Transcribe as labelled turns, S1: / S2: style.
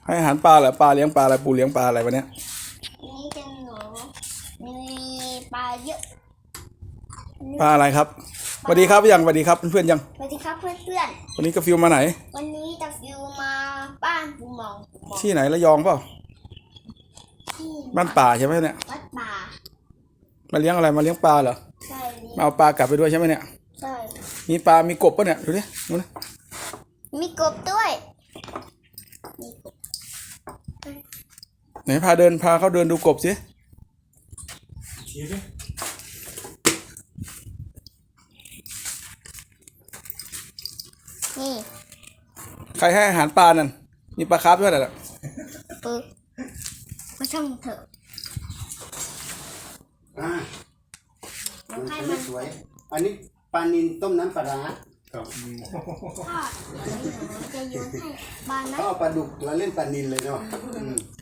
S1: ให้อาหารปลาเหรอปลาเลี้ยงปลาอะไรปูเลี้ยงปลาอะไรวะเนี้ย
S2: นี่จะหนูมีปลาเยอะ
S1: ปลาอะไรครับสวัสดีครับยังสวัสดีครับเพื่อนๆยัง
S2: สวัสดีครับเพื่อน
S1: วันนี้กาฟิวมาไหน
S2: ๆวันนี้ตะฟิวมาบ้านปูหมอง
S1: ที่ไหนระยองเปล่า
S2: ที่
S1: บ้านป่าใช่ไหมเนี่ย
S2: วัดป่า
S1: มาเลี้ยงอะไรมาเลี้ยงปลาเหรอ
S2: ใช่
S1: มาเอาปลากลับไปด้วยใช่ไหมเนี่ย
S2: ใช่
S1: มีปลามีกบป่ะเนี่ยดูดิดูนะ
S2: มีกบด้วยมีกบ
S1: ไหนพาเขาเดินดูกบสิ
S2: นี่
S1: ใครให้อาหารปลานั่นมีปลาคาร์ฟด้วยน่ะ
S2: ปึ๊บก็ช่างเถอะ
S3: ให้มันสวยอันนี้ปลานิลต้มน้ำปลาร้าครับ
S2: ทอดจะโยนให้ปลานะ
S3: เขาเอาปลาดุกแล้วเล่นปลานิลเลยเนาะ